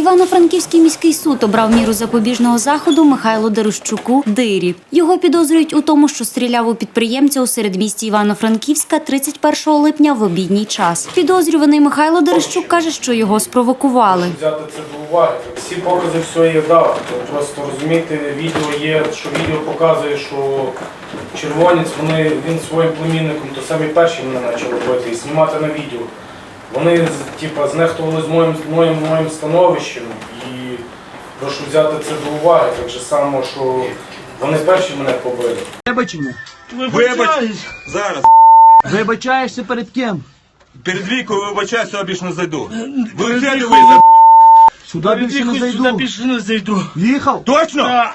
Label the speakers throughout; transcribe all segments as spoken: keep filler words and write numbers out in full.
Speaker 1: Івано-Франківський міський суд обрав міру запобіжного заходу Михайлу Дерущуку Дирі. Його підозрюють у тому, що стріляв у підприємця у середмісті Івано-Франківська тридцять першого липня в обідній час. Підозрюваний Михайло Дерущук каже, що його спровокували.
Speaker 2: Взяти це до уваги. Всі покази все є дав. Просто розумієте, відео є, що відео показує, що червонець, вони, він своїм племінником, то самі перші мене почали робити і знімати на відео. Вони типу, знехтували з моїм, моїм, моїм становищем і прошу взяти це до уваги, так же само, що вони перші мене побили.
Speaker 3: Вибачення.
Speaker 4: Вибач, зараз.
Speaker 3: Вибачаєшся перед ким?
Speaker 4: Перед вікою вибачаюся, я більше не зайду. Ви
Speaker 3: Перед
Speaker 4: сяду
Speaker 3: вікою.
Speaker 4: ви
Speaker 3: Сюди більше не зайду.
Speaker 5: Сюди більше не зайду.
Speaker 3: Їхав?
Speaker 4: Точно?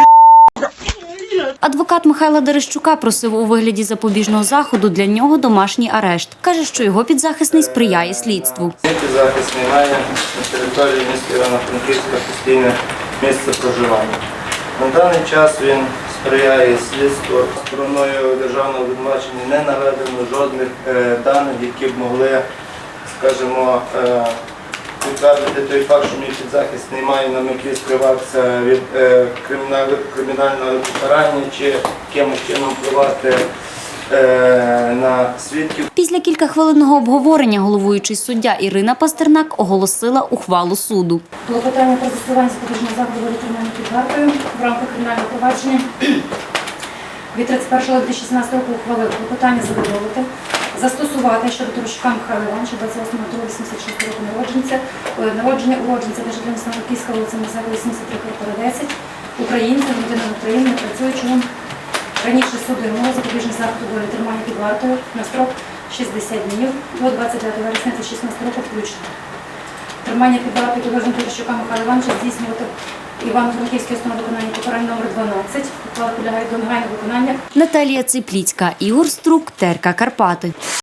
Speaker 1: Адвокат Михайла Дерущука просив у вигляді запобіжного заходу для нього домашній арешт. Каже, що його підзахисний сприяє слідству.
Speaker 6: Підзахисний має на території міста Івано-Франківська постійне місце проживання. На даний час він сприяє слідству. Стороною державного обвинувачення не наведено жодних е, даних, які б могли, скажімо, е, підтвердити той факт, що мій підзахисний має на меті скриватися від е, кримінального, кримінального покарання чи якимось чином впливати е, на свідків.
Speaker 1: Після кількахвилинного обговорення головуючий суддя Ірина Пастернак оголосила ухвалу суду.
Speaker 7: Клопотання про застосування запобіжного заходу буде тримання під вартою в рамках кримінального провадження від тридцять першого липня дві тисячі шістнадцятого року ухвалив клопотання задоволити, застосувати щодо Дерущука Михайла Івановича, двадцять восьмого лютого вісімдесят шостого року народження, народження уродженця державного Франківська, вулиця Мозаєва, вісімдесят три, квартира десять, українця, громадянина України, не працюючого. Раніше судимого запобіжний заход у волі тримання під вартою на строк шістдесят днів до двадцять дев'ятого вересня дві тисячі шістнадцятого року включно. Тримання під вартою підозрюваного Дерущука Михайла Івановича здійснювати Івано-Франківської установи виконання покарань номер дванадцять. Ухвала підлягає до негайного виконання.
Speaker 1: Наталія Ципліцька, Ігор Струк, ТРК Карпати.